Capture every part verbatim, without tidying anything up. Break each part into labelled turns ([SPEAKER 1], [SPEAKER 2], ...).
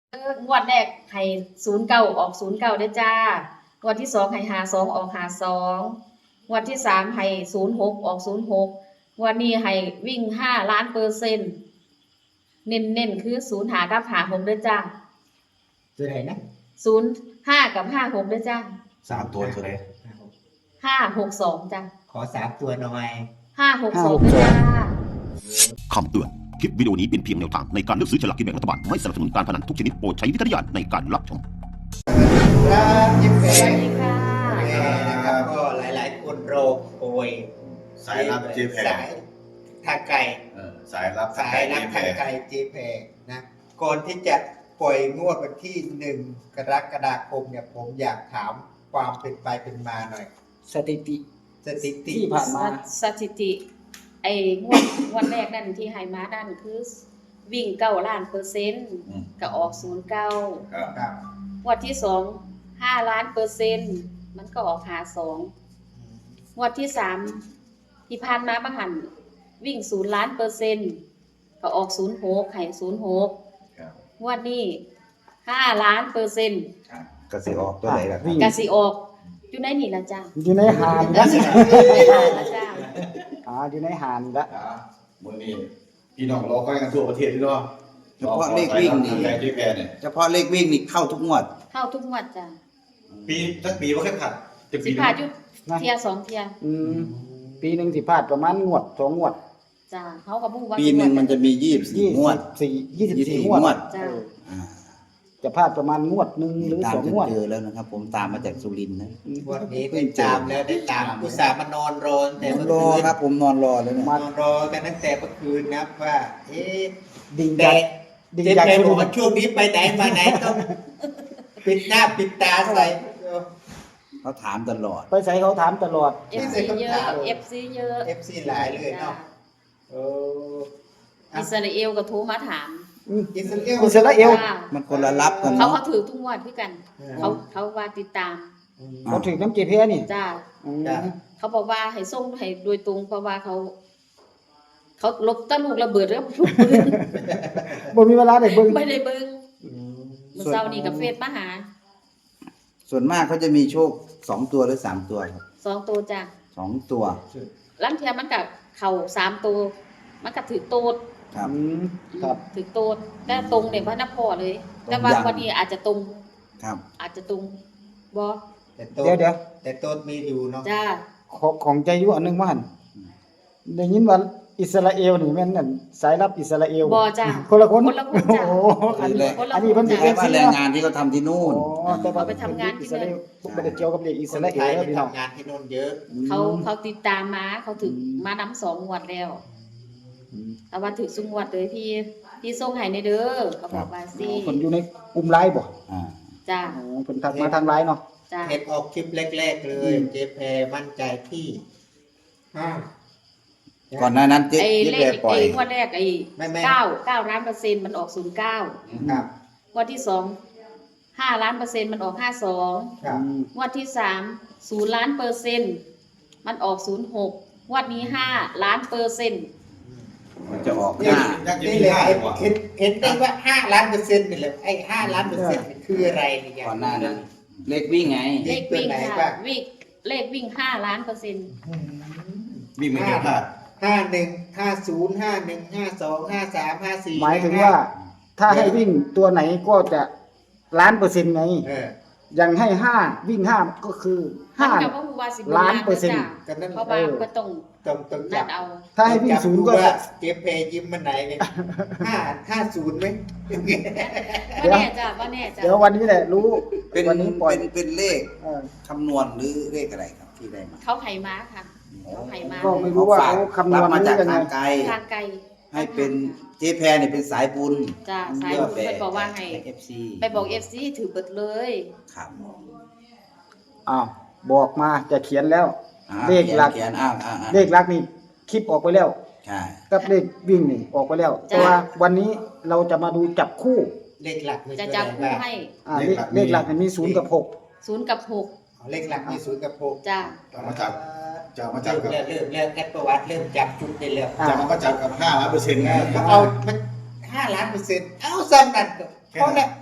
[SPEAKER 1] เอองวดแรกให้ศูนย์เก้าออกศูนย์เก้าเด้อจ้างวดที่สองให้หาสองออกหาสองงวดที่สามให้ศูนย์หกออกศูนย์หกงวดนี้ให้วิ่งห้าล้านเปอร์เซ็นต์เน้นเน้นคือศูนย์หากับหาหกเด้อจ้า
[SPEAKER 2] ตัวไหนนะ
[SPEAKER 1] ศูนย์ห้ากับห้าหกเด้อจ้า
[SPEAKER 3] สามตัวตัวไหน
[SPEAKER 1] ห้าหกสองจ้า
[SPEAKER 2] ขอสามตัวหน่อย
[SPEAKER 1] ห้าหกสองเด้อจ้า
[SPEAKER 4] คำเตือนคลิปวิดีโอนี้เป็นเพียงแนวทางในการเลือกซื้อฉลากกินแบ่งรัฐบาลไม่สนับสนุนการพนันทุกชนิดโปรดใช้วิจารณญาณในการรับชม
[SPEAKER 2] ครับยิปเป้
[SPEAKER 1] สวัสดีค่ะ
[SPEAKER 2] นะครับก็หลายๆคนรอคอย
[SPEAKER 3] สายรับเจแพ
[SPEAKER 2] สายทางไกล
[SPEAKER 3] สายรับ
[SPEAKER 2] สายรับทางไกลเจแพนะก่อนที่จะปล่อยงวดวันที่หนึ่งกรกฎาคมเนี่ยผมอยากถามความเป็นไปเป็นมาหน่อย
[SPEAKER 5] สถิติ
[SPEAKER 2] สถิติ
[SPEAKER 5] ที่ผ่านมา
[SPEAKER 1] สถิติไอ้งวดวันแรกนั่นที่ให้มานั่นคือวิ่งเก้าล้านเปอร์เซ็นต์ก็ออกศูนย์เก้า
[SPEAKER 2] ครับ
[SPEAKER 1] งวดที่สองห้าล้านเปอร์เซ็นต์มันก็ออกหาสองงวดที่สามที่ผ่านมาบางหันวิ่งศูนย์ล้านเปอร์เซ็นต์ก็ออกศูนย์หกไข่ศูนย์หกงวดนี้ห้าล้านเปอร์เซ็นต์
[SPEAKER 3] กสิออกตัวไหนล่ะ
[SPEAKER 1] กสิออกอยู่ในนี่ละจ้า
[SPEAKER 5] อยู่ในหาน
[SPEAKER 1] ละ
[SPEAKER 5] ละจ้าอ่าอยู่ในหานละ
[SPEAKER 3] มื้อนี้พี่น้องรอคอยกันทั่วประเทศพี่น้อง
[SPEAKER 6] เฉพาะเลขวิ่งนี่เฉพาะเลขวิ่งนี่เข้าทุกงวด
[SPEAKER 1] เข้าทุกงวดจ้า
[SPEAKER 3] ปีสักปีบ่เคยผ่าน
[SPEAKER 1] สิผ่านอยู่เที่ยสองเที่ย
[SPEAKER 5] อืมปีนึงสิพลาดประมาณงวดสองงวด
[SPEAKER 1] จ้าเฮาก็บ่ฮู้ว่า
[SPEAKER 6] ปีนึงมันจะมียี่สิบสี่งวด
[SPEAKER 5] สี่ ยี่สิบสี่งวด
[SPEAKER 1] จ้า
[SPEAKER 5] จะพลาดประมาณงวดนึงหรือสองงวด
[SPEAKER 6] เจอแล้วนะครับผมตามมาจากสุรินทร์นะ
[SPEAKER 2] งวดนี้ได้ตามแล้วได้ตามอุตส่าห์มานอนรอแต่เมื่อ
[SPEAKER 6] คื
[SPEAKER 2] น
[SPEAKER 6] ครับผมนอนรอเลย
[SPEAKER 2] นอนรอกันตั้งแต่เมื่อคืนนะว่าเอ๊ะ
[SPEAKER 5] ดิ่งจาก
[SPEAKER 2] ดิ่งจากบอกว่าช่วงนี้ไปไหนมาไหนต้องปิดหน้าปิดตาใส่
[SPEAKER 6] เขาถามตลอด
[SPEAKER 5] ไปใส่เขาถามตลอด
[SPEAKER 1] เอฟ ซี เยอะ เอฟ ซี เยอะ
[SPEAKER 2] เอฟ ซี หลายเลยเนาะเออ
[SPEAKER 1] อิสราเอลก็โทรมาถาม
[SPEAKER 2] อิสราเอล
[SPEAKER 5] อิสราเอล
[SPEAKER 6] มันคนละรับกัน
[SPEAKER 1] เขาเขาถือทุกงวดด้วยกันเขาเขาว่าติดตาม
[SPEAKER 5] เขาถือน้ำเจเพนี่
[SPEAKER 1] จ้าเขาบอกว่าให้ส่งให้โดยตรงเพราะว่าเขาเขาลบตะลูกระเบิดแล้วทุกปืน
[SPEAKER 5] บ่มีเวลาได้เบิ่ง
[SPEAKER 1] ไม่ได้เบิ่งเมื่อเช้านี้กับเฟซมาหา
[SPEAKER 6] ส่วนมากเขาจะมีโชคสองตัวหรือสามตัวครับ
[SPEAKER 1] สองตัวจ้ะ
[SPEAKER 6] สองตัว
[SPEAKER 1] ลังเทียมันกับเข่าสามตัวมันกับถือโตด
[SPEAKER 6] ครับ
[SPEAKER 5] ครับ
[SPEAKER 1] ถือโตดแต่ตรงเนี่ยว่านับพอเลยแต่ว่าวันนี้อาจจะตรง
[SPEAKER 6] ครับ
[SPEAKER 1] อาจจะตรงบ่
[SPEAKER 5] เดี๋ยวเดี๋ยว
[SPEAKER 2] แต่โตดมีอยู่เนาะ
[SPEAKER 1] จ้า
[SPEAKER 5] ของใจอยู่อันนึงว่าหั่นได้ยินว่าอิสราเอลนี่แม่นนั่นสายรับอิสราเอล
[SPEAKER 1] บ่จ้า
[SPEAKER 5] คนละคน
[SPEAKER 1] คนละคนจ้า
[SPEAKER 5] โอ้อันนี้อันนี้เพิ่นสิ
[SPEAKER 6] เป็นแรงงานที่เขาทำที่นู่น
[SPEAKER 5] อ๋อแต่ว่า
[SPEAKER 1] ไปทำงานที่นั่น
[SPEAKER 5] บ่ได้เกี่ยวกับเด็กอิสราเอลพี่น้อง
[SPEAKER 2] ทำงานที่นู่นเยอะ
[SPEAKER 1] เขาเขาติดตามมาเขาถึงมานำสองงวดแล้วแต่ว่าถึงสุงวดเลยพี่พี่ส่งให้ในเด้อเขาบอกว่าสิ
[SPEAKER 5] เพิ่นอยู่ในกลุ่มไลน์บ่
[SPEAKER 6] อ่า
[SPEAKER 1] จ้า
[SPEAKER 5] อ๋อเพิ่นทักมาทางไลน์เนาะ
[SPEAKER 1] จ้า
[SPEAKER 2] เฮ็ดออกคลิปแรกๆเลยเจแพมั่นใจที่ห้า
[SPEAKER 6] ก่อนหน้านั้นเจ๊
[SPEAKER 1] เจ๊ปล่อยไอ้งวดแรกไอ้เก้าเก้าล้านเปอร์เซ็นต์มันออกศูนย์เก้า
[SPEAKER 2] ครับ
[SPEAKER 1] งวดที่สองห้าล้านเปอร์เซ็นต์มันออกห้าสอง
[SPEAKER 2] ครับ
[SPEAKER 1] งวดที่สามศูนย์ล้านเปอร์เซ็นต์มันออกศูนย์หกงวดนี้ห้าล้านเปอร์เซ็นต์
[SPEAKER 6] มันจะออก
[SPEAKER 2] ห้านี่เลยเห็นเห็นได้ว่าห้าล้านเปอร์เซ็นต์นี่แหละไอ้ห้าล้านเปอร์เซ็นต์คืออะไรเนี่ย
[SPEAKER 6] ก่อนหน้านั้นเลขวิ่งไง
[SPEAKER 1] เลขวิ่งค่ะวิ่งเลขวิ่งห้าล้านเปอร์เซ็นต์
[SPEAKER 3] วิ่งไม่เยอะค่ะ
[SPEAKER 2] ห้าหนึ่งห้าศูนย์ห้าหนึ่งห้าสองห้าสามห้าสี่
[SPEAKER 5] หมายถึงว่าถ้าให้วิ่งตัวไหนก็จะล้านเปอร์เซ็นต์ไงอย่างให้ห้าวิ่งห้าก็คือห้าล้านเปอร์เซ็นต์
[SPEAKER 1] เพราะว่าก็ต้อง
[SPEAKER 2] ต้องต้องจับ
[SPEAKER 1] เอา
[SPEAKER 5] ถ้าให้วิ่งศูนย์ก็จะ
[SPEAKER 2] เก็บเพย์ยิ้มมันไหนเนี่ยห้าห้าศูนย์ไหม
[SPEAKER 1] ว่าแน่จ้ะว่าแน่จ้ะ
[SPEAKER 5] เดี๋ยววันนี้แหละรู้
[SPEAKER 6] เป็นวันนี้ปล่อยเป็นเลขคำนวณหรือเลขอะไรครับที่ได้มา
[SPEAKER 1] เขาไห่ม้าค่ะเขาไห่ม้า
[SPEAKER 5] ก็ไม่รู้ว่าเขาคำนวณ
[SPEAKER 6] มาจากทางไกล
[SPEAKER 1] ทางไกล
[SPEAKER 6] ให้เป็นเจ๊แพรเนี่ยเป็นสายบุญ
[SPEAKER 1] จ้ะสายบุญไปบอกว่าให้
[SPEAKER 6] เอฟ ซี
[SPEAKER 1] ไปบอก เอฟ ซี ถือเบิดเลย
[SPEAKER 6] ครับ
[SPEAKER 5] อ้าวบอกมาจะเขียนแล้วเลขหลักเลขหลักนี่คลิปออกไปแล้ว
[SPEAKER 6] ใช่
[SPEAKER 5] กับเลขวิ่งนี่ออกไปแล้วแต่ว่าวันนี้เราจะมาดูจับคู่
[SPEAKER 2] เลขหลัก
[SPEAKER 1] จะจับคู่ให้
[SPEAKER 5] อ่าเลขหลักมันมีศูนย์กับหก
[SPEAKER 1] ศูนย์กับหก
[SPEAKER 2] เลขหลักมีศูนย์กับหก
[SPEAKER 1] จ้ะ
[SPEAKER 3] มาจับจะมาจับกับ
[SPEAKER 2] เริ่มเริ่มเริ่มแอดประวัติเริ่มจับจุดได้แล้ว
[SPEAKER 3] จะมาจับกับห้าล้านเปอร์เซ็นต์ไง
[SPEAKER 2] เอามันห้าล้านเปอร์เซ็นต์เอาซ้ำนั่นเพราะเนี่ย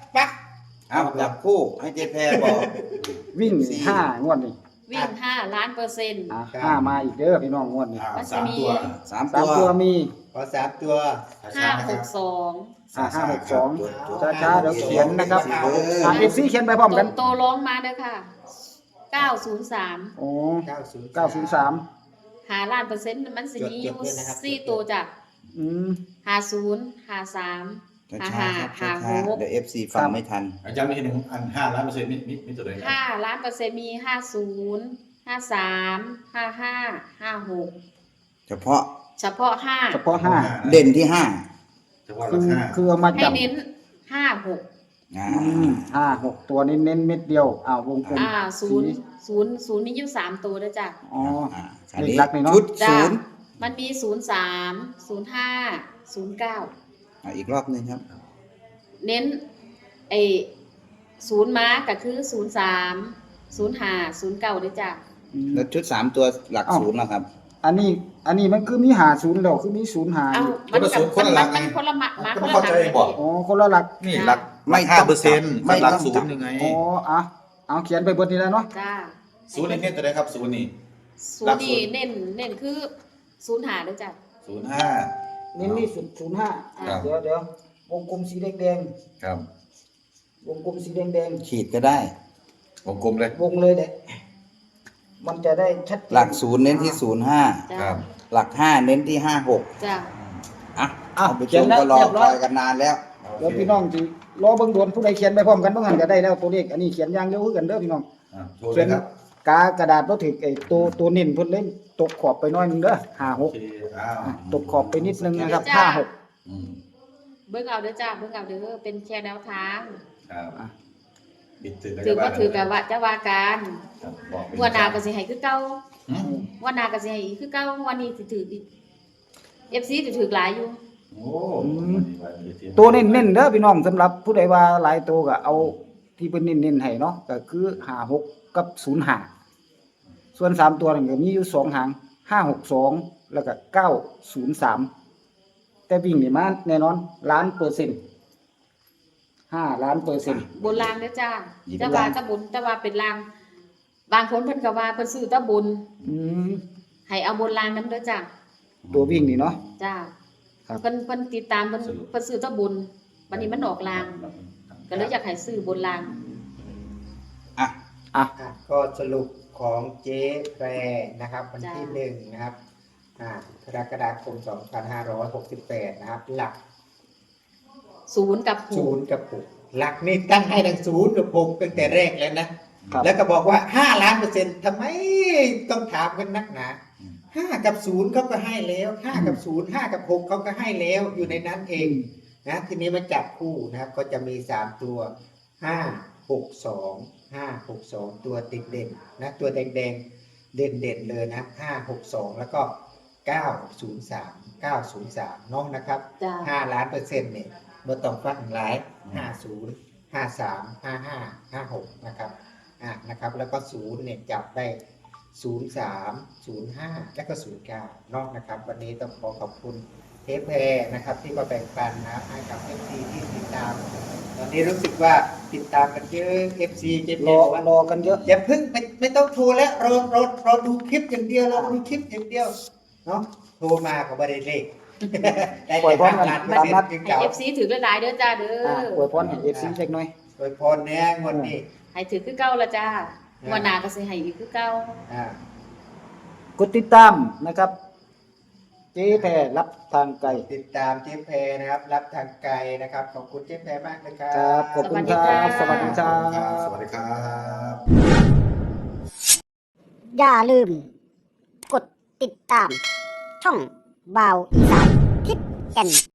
[SPEAKER 2] ปัก
[SPEAKER 6] เอาจับคู่ให้เจแพรบอก
[SPEAKER 5] วิ่ง
[SPEAKER 6] สี่
[SPEAKER 5] ห้างวดนี่
[SPEAKER 1] วิ่งห้าล้านเปอร์เซ็นต์
[SPEAKER 5] อ่ะห้ามาอีกเด้อพี่น้องงวดนี่
[SPEAKER 3] อ่า
[SPEAKER 1] มันจะ
[SPEAKER 3] สาม
[SPEAKER 1] มี
[SPEAKER 3] ตัว
[SPEAKER 6] สาม
[SPEAKER 5] สาม
[SPEAKER 6] ตัว
[SPEAKER 5] ตัวมี
[SPEAKER 2] ขอสามตัว
[SPEAKER 1] ห้าหกสอง
[SPEAKER 5] อ่าห้าหกสอง
[SPEAKER 6] ตัว
[SPEAKER 5] ช้าๆเดี๋ยวเขียนนะครับ
[SPEAKER 2] เอา
[SPEAKER 5] อ่าเอฟซีเขียนไปพร้อม
[SPEAKER 1] ต
[SPEAKER 5] กัน
[SPEAKER 1] โตร้องมาเด้อค่ะเก้าศูนย์สาม
[SPEAKER 5] โอ้
[SPEAKER 2] เก้าศูนย์
[SPEAKER 5] เก้าศูนย์สาม
[SPEAKER 1] หาล้านเปอร์เซ็นต์มันสิมีอยู่
[SPEAKER 2] จดๆด้วยนะครับ
[SPEAKER 1] สี่ตัวจ้ะ
[SPEAKER 5] อืม
[SPEAKER 1] หาศูนย์หาสามหา
[SPEAKER 6] ช้า
[SPEAKER 1] ห้า
[SPEAKER 6] ๆครับ
[SPEAKER 1] หา
[SPEAKER 6] ช้า
[SPEAKER 1] หก
[SPEAKER 6] ๆเดี๋ยวเอฟซีฟังไม่ทัน
[SPEAKER 3] อาจารย์มีหนึ่งอันห้าล้านเปอร์เซ็นต์มีมีมีตัวใดครับ
[SPEAKER 1] ห้าล้านเปอร์เซ็นต์มีห้าศูนย์ห้าสามห้าห้าห้าหก
[SPEAKER 6] เฉพาะ
[SPEAKER 1] เฉพาะห้า
[SPEAKER 5] เฉพาะห้า
[SPEAKER 6] เด่นที่ห้า
[SPEAKER 3] เฉพาะ
[SPEAKER 5] คื
[SPEAKER 3] รา
[SPEAKER 5] อ
[SPEAKER 3] คา
[SPEAKER 5] คือเอามา
[SPEAKER 1] ให้
[SPEAKER 5] จับ
[SPEAKER 1] เน้นห้าหก
[SPEAKER 6] อ่า
[SPEAKER 5] อืมห้าหกตัวนี้เน้นเม็ดเดียวอ้าววงกลม
[SPEAKER 1] อ่าศูนย์
[SPEAKER 5] สี
[SPEAKER 1] ศูนย์ศูนย์มีอยู่สามตัวด้วยจ้ะ
[SPEAKER 5] อ๋อ
[SPEAKER 6] อ่า
[SPEAKER 5] เลขลักษณ์นี่เนอะ
[SPEAKER 6] ชุด
[SPEAKER 1] จ้ะ
[SPEAKER 6] ศูนย์
[SPEAKER 1] มันมีศูนย์สามศูนย์ห้าศูนย์เก้า
[SPEAKER 6] อ่าอีกรอบหนึ่งครับ
[SPEAKER 1] เน้นไอศูนย์มาก็คือศูนย์สามศูนย์ห้าศูนย์เก้าด้วยจ้ะ
[SPEAKER 5] อืม
[SPEAKER 6] แล้วชุดสามตัวหลัก
[SPEAKER 5] อ้าว
[SPEAKER 6] ศูนย์นะครับ
[SPEAKER 5] อันนี้ อันนี้มันคือมีหาศูนย์แล้วคือมีศูนย์หา
[SPEAKER 1] เอ้า
[SPEAKER 5] อยู่
[SPEAKER 1] มันกับมันมันคนละมามาคนละหลักเลย
[SPEAKER 5] อ๋อคนละหลัก
[SPEAKER 3] นี่หลัก
[SPEAKER 6] ไม่
[SPEAKER 3] ห้า
[SPEAKER 6] ต้อง
[SPEAKER 3] เปอร์เซ็นต์
[SPEAKER 6] ไม่
[SPEAKER 3] หลัก
[SPEAKER 6] ต้อง
[SPEAKER 3] ศู
[SPEAKER 6] จั
[SPEAKER 3] น
[SPEAKER 6] บ
[SPEAKER 3] ย์ยังไง
[SPEAKER 5] อ๋ออ่ะเอาเขียนไปเบนนี้แล้วเนาะ
[SPEAKER 1] จ้า
[SPEAKER 3] ศูนย์นี่เน้นตัวใดครับศูนย์นี่
[SPEAKER 1] ศู
[SPEAKER 3] หลั
[SPEAKER 1] น
[SPEAKER 3] ก
[SPEAKER 1] ย์
[SPEAKER 3] ศู
[SPEAKER 1] นี่
[SPEAKER 3] นย์
[SPEAKER 1] เน้นเน้นคือศูนย์หาด้วยจ้ะ
[SPEAKER 3] ศูนย์ห้า
[SPEAKER 5] เน้นนี่ศูนย์ศูนย์ห้า
[SPEAKER 3] ครับ
[SPEAKER 5] เดี๋ยวเดี๋ยววงกลมสีแดงแดง
[SPEAKER 3] ครับ
[SPEAKER 5] ๆวงกลมสีแดงแดง
[SPEAKER 6] ขีดก็ได้
[SPEAKER 3] วงกลมเลย
[SPEAKER 5] ๆวงเลยเด็มันจะได้ชัดเจน
[SPEAKER 6] หลักศูนย์เน้นที่ศูนย์ห้า
[SPEAKER 1] จ้า
[SPEAKER 3] ครับ
[SPEAKER 6] หลักห้าเน้นที่ห้าหก
[SPEAKER 1] จ้า
[SPEAKER 6] อ่ะ
[SPEAKER 5] อ่ะ
[SPEAKER 6] ท่านผู้ช
[SPEAKER 5] เขียน
[SPEAKER 6] ม
[SPEAKER 5] แล้ว
[SPEAKER 6] ก็รอ
[SPEAKER 5] เรียบ
[SPEAKER 6] ค
[SPEAKER 5] ร้อ
[SPEAKER 6] อย ยกันนานแล้ว
[SPEAKER 5] เดี๋ยวพี่น้องจีรอเบิ่งโดนผู้ใดเขียนไปพร้อมกันเบิ่งหันก็ได้แล้วตัวเลขอันนี้เขียนอย่างเดียวคือกันเด้อพี่น้อง
[SPEAKER 3] อ่ะโชว์เล
[SPEAKER 5] เขีย
[SPEAKER 3] ย
[SPEAKER 5] น
[SPEAKER 3] ครับ
[SPEAKER 5] กากระดาษบ่ถึกไอ้ตัวตัวเน้นเพิ่นเล่นตกขอบไปหน้อยนึงเด้อห้าห
[SPEAKER 3] โอก เคอ้าว
[SPEAKER 5] อ่ะตกขอบไปนิดนึงนะครับห้าหก
[SPEAKER 3] อืม
[SPEAKER 1] เบิ่งเอาเด้อจ้าเบิ่งเอาเด้อเป็นแค่แนวทาง
[SPEAKER 3] ครับปิดถือ
[SPEAKER 1] ถือว่าถือกับว่าจะว่าการ
[SPEAKER 3] ครับบอกเป็
[SPEAKER 1] งวดหน้าก็สิให้คือเก่า
[SPEAKER 3] อืม
[SPEAKER 1] งวดหน้าก็สิให้อีกคือเก่างวันนี้สิถืออีก เอฟ ซี สิถือหลายอยู่
[SPEAKER 3] โอ้วันนี้วันนี้ที่
[SPEAKER 5] ตัวเน้นๆเด้อพี่น้องสำหรับผู้ใดว่าหลายตัวก็เอาที่เพิ่นเน้นๆให้เนาะก็คือห้าหกกับศูนย์ห้าส่วนสามตัวนั่นก็มีอยู่สองหางห้าหกสองแล้วก็เก้าศูนย์สามแต่วิ่งนี่มาแน่นอนล้านเปอร์เซ็นต์ห้าล้านเปอร์เซ็นต์
[SPEAKER 1] บนรางเด้อจ้า
[SPEAKER 6] หยิบ
[SPEAKER 1] แต่
[SPEAKER 6] ล่า
[SPEAKER 1] ว่าง ตะบุญแต่ว่าเป็นราง บางคนเพิ่นก็ว่าเพิ่นซื้อตะบุญ
[SPEAKER 5] อืม
[SPEAKER 1] ให้เอาบนรางนำเด้อจ้า
[SPEAKER 5] ตัววิ่งนี่เนาะ
[SPEAKER 1] จ้า
[SPEAKER 5] ครับ
[SPEAKER 1] เพิ่นเพิ่นติดตามเพิ่นเพิ่นซื้อตะบุญบัดนี้มันออกราง ก็เลยอยากให้ซื้อบนราง
[SPEAKER 6] อ่ะ
[SPEAKER 5] อ่ะ
[SPEAKER 2] อ่ะก็สรุปของเจ๊แพรนะครับวันที่
[SPEAKER 1] จ้า
[SPEAKER 2] หนึ่งนะครับอ่ากรกฎาคมสองพันห้าร้อยหกสิบแปดนะครับ หลัก
[SPEAKER 1] ศูนย์กับห
[SPEAKER 2] ศู
[SPEAKER 1] ก
[SPEAKER 2] นย์กับหกหลักนี่ตั้งให้ทั้งศูนย์กับหกตั้งแต่แรกแล้วนะ
[SPEAKER 5] ครับ
[SPEAKER 2] แล้วก็บอกว่าห้าล้านเปอร์เซ็นต์ทำไมต้องถามกันนักหนาห้ากับศูนย์เขาก็ให้แล้วห้ากับศูนย์ห้ากับหกเขาก็ให้แล้วอยู่ในนั้นเองนะทีนี้มาจับคู่นะครับ ก็จะมีสามตัวห้าหกสองห้าหกสองตัวติดเด่นนะตัวแดงแดงๆเด่นเด่นๆเลยนะห้าหกสองแล้วก็เก้าศูนย์สามเก้าศูนย์สามน้องนะครับ
[SPEAKER 1] จ้า
[SPEAKER 2] ห้าล้านเปอร์เซ็นต์เนี่ยเมื่อต้องฟังหลายห้าศูนย์ห้าสามห้าห้าห้าหกนะครับอ่ะนะครับ แล้วก็ศูนย์เนี่ยจับได้ศูนย์สามศูนย์ห้าแล้วก็ศูนย์เก้านอกนะครับ วันนี้ต้องขอขอบคุณเทปแพรนะครับ ที่มาแบ่งปันนะครับให้กับ เอฟ ซี ที่ติดตาม ตอนนี้รู้สึกว่าติดตามกันเยอะ เอฟ ซี เจ
[SPEAKER 5] ร
[SPEAKER 2] พี
[SPEAKER 5] อ
[SPEAKER 2] บอกว่าร
[SPEAKER 5] อกันเยอะ
[SPEAKER 2] อย่าเพิ่งไม่ไม่ต้องโทรแล้วรอรอรอดูคลิปอย่างเดียวรอดูคลิปอย่างเดียวเนาะโทรมาก็ไม่ได้เลข ได้
[SPEAKER 5] ปล่อยพร้อมกัน
[SPEAKER 2] ล้านเปอร์เซ็น
[SPEAKER 5] ตามนัด
[SPEAKER 2] ต์จึง
[SPEAKER 1] ให้
[SPEAKER 2] เก่า
[SPEAKER 1] เอฟ ซี ถือหลายๆเด้อจ้าเด้
[SPEAKER 5] อ่ะ
[SPEAKER 1] อ
[SPEAKER 5] อวยพรให้ เอฟ ซี เล็กน้อย
[SPEAKER 2] โดยพรเนี่ยงวดนี้
[SPEAKER 1] ให้ถือคือเก่าละจ้าวันหน้าก็สิให้อีกคือเก่า
[SPEAKER 2] อ่าก
[SPEAKER 5] ดติดตามนะครับ เจ๊แพรรับทางไกล
[SPEAKER 2] ติดตามเจ๊แพรนะครับ รับทางไกลนะครับ ขอบคุณเจ๊แพรมากนะครั
[SPEAKER 5] ครับ
[SPEAKER 2] บ
[SPEAKER 5] ขอบคุณครับ สวัสดีครับ
[SPEAKER 3] สวัสดีครับ
[SPEAKER 7] อย่าลืม กดติดตาม ช่องบาวอีสานทิศแก่น